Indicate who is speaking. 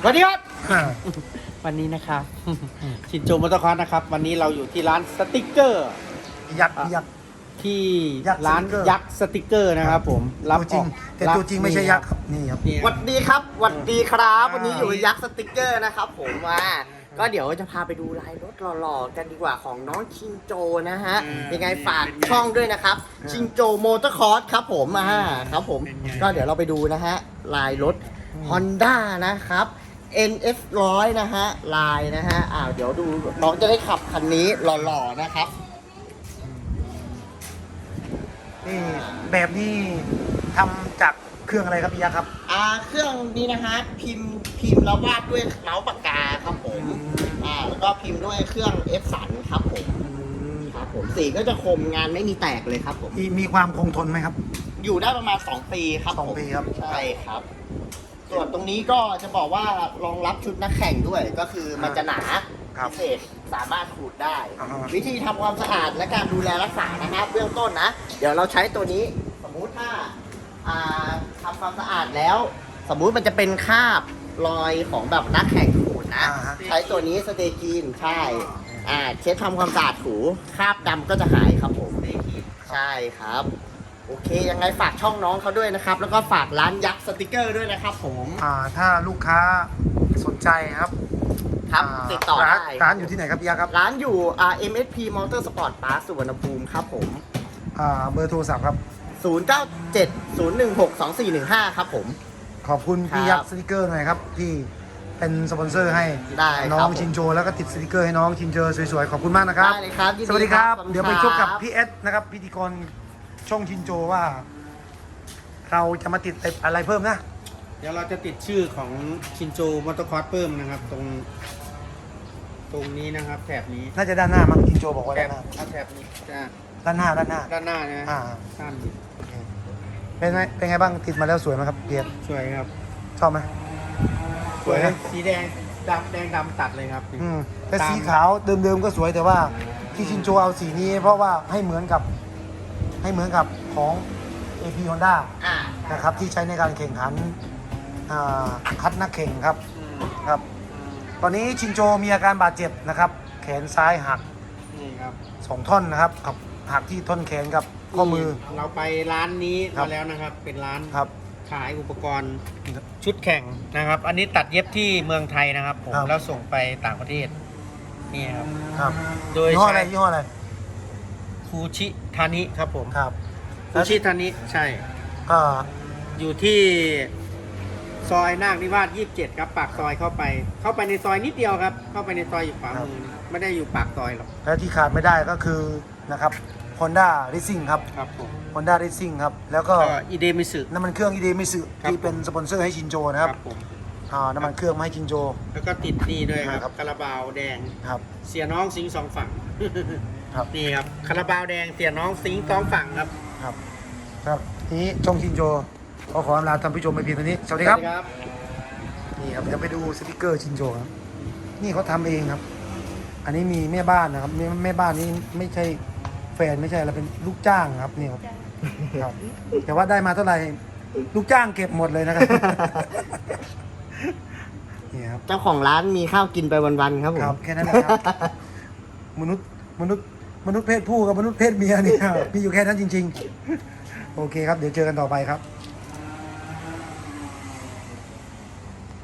Speaker 1: สวัสดีครับ วันนี้นะครับชินโจมอเตอร์คอร์สนะครับ วันนี้เราอยู่ที่ร้านสติกเกอร์
Speaker 2: ยักษ์
Speaker 1: ที่
Speaker 2: ยักษ์
Speaker 1: ร้าน
Speaker 2: สติกเกอร์
Speaker 1: ยักษ์สติกเกอร์นะครับผม
Speaker 2: ตัวจริงแต่ตัวจริงไม่ใช่ยักษ์ครับนี่ครับ
Speaker 1: นี่
Speaker 3: สวัสดีครับสวัสดีครับ
Speaker 1: อ่า
Speaker 3: วันนี้อยู่ยักษ์สติกเกอร์นะครับผมก็เดี๋ยวจะพาไปดูลายรถหล่อๆกันดีกว่าของน้องชินโจนะฮะยังไงฝากช่องด้วยนะครับชินโจมอเตอร์คอร์สครับผมครับผมก็เดี๋ยวเราไปดูนะฮะลายรถ Honda นะครับ NF 100นะฮะลายนะฮะเดี๋ยวดูน้องจะได้ขับคันนี้หล่อๆนะครับ
Speaker 2: นี่แบบนี้ทำจากเครื่องอะไรครับพี่ยักษ์ครับ
Speaker 3: เครื่องนี้นะฮะพิมพ์แล้ววาดด้วยเมาส์ปากกาครับผมแล้วก็พิมพ์ด้วยเครื่อง F สันครับผมครับผมสีก็จะคมงานไม่มีแตกเลยครับผม
Speaker 2: มีความคงทนไหมครับ
Speaker 3: อยู่ได้ประมาณ2 ปีครับ
Speaker 2: สอง
Speaker 3: ผม
Speaker 2: ปีครับ
Speaker 3: ใช่ครับ ส่วนตรงนี้ก็จะบอกว่ารองรับชุดนักแข่งด้วยก็คือมันจะหนา
Speaker 2: ครับ
Speaker 3: พิเศษสามารถขูดได้
Speaker 2: อ่าฮะ
Speaker 3: วิธีทำความสะอาดและการดูแลรักษานะครับเบื้องต้นนะ เดี๋ยวเราใช้ตัวนี้สมมุติถ้าทำความสะอาดแล้ว สมมุติมันจะเป็นคราบรอยของแบบนักแข่งขูดนะ
Speaker 2: อ่าฮะ
Speaker 3: ใช้ตัวนี้สเตจีนใช่เช็ดทำความสะอาดถูคราบดำก็จะหายครับผมใช่ครับ โอเคยังไงฝากช่องน้องเขาด้วยนะครับ แล้วก็ฝากร้านยักษ์สติกเกอร์ด้วยนะครับผม
Speaker 2: ถ้าลูกค้าสนใจครับ
Speaker 3: ครับติดต่อได้
Speaker 2: ร้านอยู่ที่ไหนครับพี่ยักษ์ครับ
Speaker 3: ร้านอยู่MSP Motorsport Park สุวรรณภูมิครับผม
Speaker 2: เบอร์โทรศัพท์ครับ
Speaker 3: 0970162415 ครับผม
Speaker 2: ขอบคุณพี่ยักษ์สติกเกอร์หน่อยครับที่เป็นสปอนเซอร์ให้
Speaker 3: ได้
Speaker 2: น้
Speaker 3: ค
Speaker 2: อ
Speaker 3: รั
Speaker 2: ง
Speaker 3: บผม
Speaker 2: ชินโจแล้วก็ติดสติกเกอร์ให้น้องชินโจสวยๆขอบคุณมากนะครับ
Speaker 3: ได้เลยครับยินดี
Speaker 2: สวัสดีครับ
Speaker 3: ครับ
Speaker 2: เดี๋ยวไปชกกับพี่เอสนะครับพิธีกรช่องชินโจว่า เราจะมาติดอะไรเพิ่มนะ
Speaker 1: เดี๋ยวเราจะติดชื่อของชินโจมอเตอร์คอร์สเพิ่มนะครับ ตรงนี้นะครับ แถบนี้
Speaker 2: น่าจะด้านหน้ามั้งชินโจบอกว่า
Speaker 1: แถ
Speaker 2: ด้า
Speaker 1: บ
Speaker 2: นหน้า
Speaker 1: เอาแถบนี้จ้ะ
Speaker 2: ด้านหน้า
Speaker 1: ด้านหน้านะ
Speaker 2: อ่า
Speaker 1: สั้น
Speaker 2: โอเคเป็นไงบ้างติดมาแล้วสวยไหมครับเพียร
Speaker 1: สวยครับ
Speaker 2: ชอบไหม สวยนะ
Speaker 1: สีแดงดำตัดเลยครับ
Speaker 2: แต่สีขาวเดิมๆก็สวยแต่ว่าที่ชินโจเอาสีนี้เพราะว่าให้เหมือนกับของ AP Honda นะครับที่ใช้ในการแข่งขันคัดนักแข่งครับครับ ตอนนี้ชินโจมีอาการบาดเจ็บนะครับ แขนซ้ายหัก
Speaker 1: นี่ครับ
Speaker 2: 2 ท่อนนะครับกับหักที่ท่อนแขนกับข้อมือ
Speaker 1: เราไปร้านนี้
Speaker 2: ครั
Speaker 1: มา
Speaker 2: บ
Speaker 1: แล้วนะครับ เป็นร้าน
Speaker 2: ครับ
Speaker 1: ขายอุปกรณ์ชุดแข่งนะครับ อันนี้ตัดเย็บที่เมืองไทยนะครับผม
Speaker 2: ครับ
Speaker 1: แล้วส่งไปต่างประเทศนี่ครับ
Speaker 2: ครับ
Speaker 1: โดย
Speaker 2: ยี่ห้อ
Speaker 1: ใช้
Speaker 2: อะไรยี่ห้ออะไร
Speaker 1: คูชิทานิครับผม
Speaker 2: ครับ
Speaker 1: คูชิทานิใช่
Speaker 2: อ่า
Speaker 1: อยู่ที่ซอยนาคนิวาส27ครับปากซอยเข้าไปในซอยนิดเดียวครับ เข้าไปในซอยอยู่ขวามือไม่ได้อยู่ปากซอยหรอก
Speaker 2: และที่ขาดไม่ได้ก็คือนะครับ Honda Racing ครับ
Speaker 1: ครับผม
Speaker 2: Honda Racing ครับแล้วก็
Speaker 1: ก็อีเดมิสึ
Speaker 2: น้ำมันเครื่องอีเดมิสึ
Speaker 1: ครับ
Speaker 2: ที่เป็นสปอนเซอร์ให้ชินโจนะครับ
Speaker 1: ผม
Speaker 2: น้ำมันเครื่องมาให้ชินโจ
Speaker 1: แล้วก็ติดนี่ด้วยค
Speaker 2: ครั
Speaker 1: รับบ คาราบาวแดง
Speaker 2: ครับ
Speaker 1: เสียน้องสิงห์สองฝั่ง
Speaker 2: ครับ
Speaker 1: นี่ครับคาราบาวแดงเสียน้องสิงห์สองฝั่งครับ
Speaker 2: ครับครับทีนี้ช่องชินโจขออำลาท่านผู้ชมไปเพียงเท่านี้สวัสดีครับ
Speaker 1: ครับ
Speaker 2: นี่ครับเดี๋ยวไปดูสติกเกอร์ชินโจครับนี่เขาทำเองครับ อันนี้มีแม่บ้านนะครับแม่บ้านนี้ไม่ใช่แฟนไม่ใช่อะไรเป็นลูกจ้างครับนี่ครับครับแต่ว่าได้มาเท่าไหร่ลูกจ้างเก็บหมดเลยนะครับ นี่ครับ
Speaker 3: เจ้าของร้านมีข้าวกินไปวันๆครับผม
Speaker 2: ครับแค่นั้นแหละครับ มนุษย์เพศผู้กับมนุษย์เพศเมียเนี่ยมีอยู่แค่นั้นจริง ๆ โอเคครับเดี๋ยวเจอกันต่อไปครับ